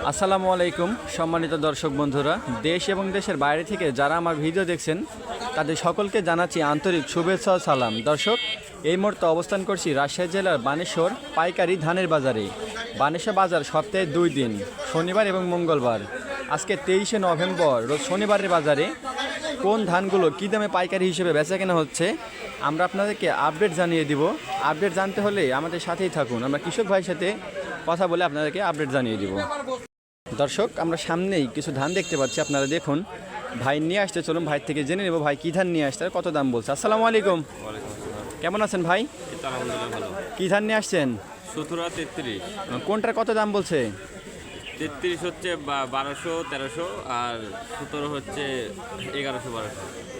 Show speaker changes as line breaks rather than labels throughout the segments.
আসসালামু আলাইকুম সম্মানিত দর্শক বন্ধুরা, দেশ এবং দেশের বাইরে থেকে যারা আমার ভিডিও দেখছেন তাদের সকলকে জানাচ্ছি আন্তরিক শুভেচ্ছা ও সালাম। দর্শক, এই মুহূর্তে অবস্থান করছি রাজশাহী জেলার বানেশ্বর পাইকারি ধানের বাজারে। বানেশ্বর বাজার সপ্তাহে 2 দিন, শনিবার এবং মঙ্গলবার। আজকে 23শে নভেম্বর রোজ শনিবারের বাজারে কোন ধানগুলো কী দামে পাইকারি হিসেবে বেচা কেনা হচ্ছে আমরা আপনাদেরকে আপডেট জানিয়ে দিব। আপডেট জানতে হলে আমাদের সাথেই থাকুন, আমরা কৃষক ভাইয়ের সাথে কথা বলে আপনাদেরকে আপডেট জানিয়ে দিব। দর্শক, আমরা সামনেই কিছু ধান দেখতে পাচ্ছি, আপনারা দেখুন। ভাই নিয়ে আসতে, চলুন ভাই থেকে জেনে নেব ভাই কী ধান নিয়ে আসতে আর কত দাম বলছে। আসসালামু আলাইকুম, কেমন আছেন ভাই? কী ধান নিয়ে আসছেন?
17-33।
কোনটার কত দাম বলছে?
33 হচ্ছে 1200-1300, আর 17 হচ্ছে 1100-1200।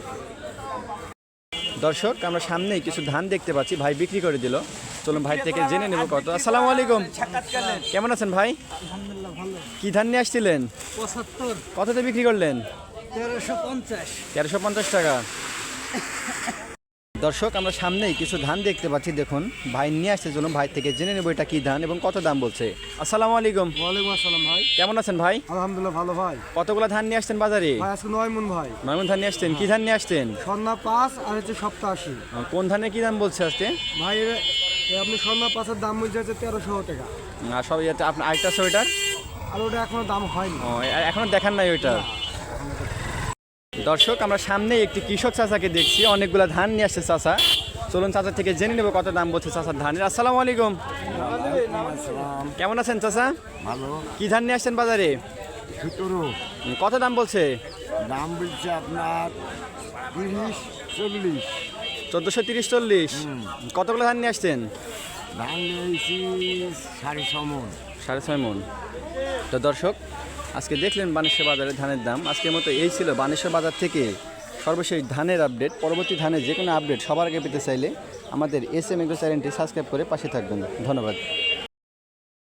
দর্শক, আমরা সামনেই কিছু ধান দেখতে পাচ্ছি, ভাই বিক্রি করে দিল। চলুন ভাই থেকে জেনে নেব কত। আসসালামু আলাইকুম, কেমন আছেন ভাই?
আলহামদুলিল্লাহ ভালো।
কী ধান নিয়ে আসছিলেন?
75,
কততে বিক্রি করলেন?
1350।
1350 টাকা। দর্শক, আমরা সামনেই কিছু ধান দেখতে পাচ্ছি, দেখুন ভাই নিয়ে আসছে। চলুন ভাই থেকে জেনে নেব এটা কী ধান এবং কত দাম বলছে। আসসালামু আলাইকুম,
ওয়ালাইকুম আসসালাম ভাই।
কেমন আছেন ভাই?
আলহামদুলিল্লাহ ভালো ভাই।
কতগুলো ধান নিয়ে আসছেন বাজারে?
ভাই আজকে 9 মণ ভাই।
9 মণ ধান নিয়ে আসছেন। কী ধান নিয়ে আসছেন?
স্বর্ণা 5 আর হচ্ছে 87।
কোন ধানের কী দাম বলছে আজকে?
ভাই আপনি স্বর্ণা 5-এর দাম বলছে হচ্ছে 1300 টাকা।
আর সব ইয়েতে আপনার আরেকটা আছে ওইটার?
আর ওটা এখনো দাম হয়নি।
ও, এখনো দেখান নাই ওইটা। দর্শক, আমরা সামনেই একটি কৃষক চাচাকে দেখছি, অনেকগুলো ধান নিয়ে আসছে চাচা। চলুন চাচার থেকে জেনে নেব কত দাম বলছে চাচার ধানের। আসসালামু আলাইকুম, কেমন আছেন চাচা?
ভালো।
কী ধান নিয়ে আসছেন বাজারে?
17
কত দাম বলছে?
দাম বলছে আপনার 30-40।
1430-40। কতগুলো ধান নিয়ে আসছেন?
ধান নিয়েছি 6.5 মণ।
6.5 মণ। তো দর্শক, আজকে দেখলেন বানেশ্বর বাজারের ধানের দাম। আজকের মতো এই ছিল বানেশ্বর বাজার থেকে সর্বশেষ ধানের আপডেট। পরবর্তী ধানের যে কোনো আপডেট সবার আগে পেতে চাইলে আমাদের SM এগ্রো চ্যানেলটি সাবস্ক্রাইব করে পাশে থাকবেন। ধন্যবাদ।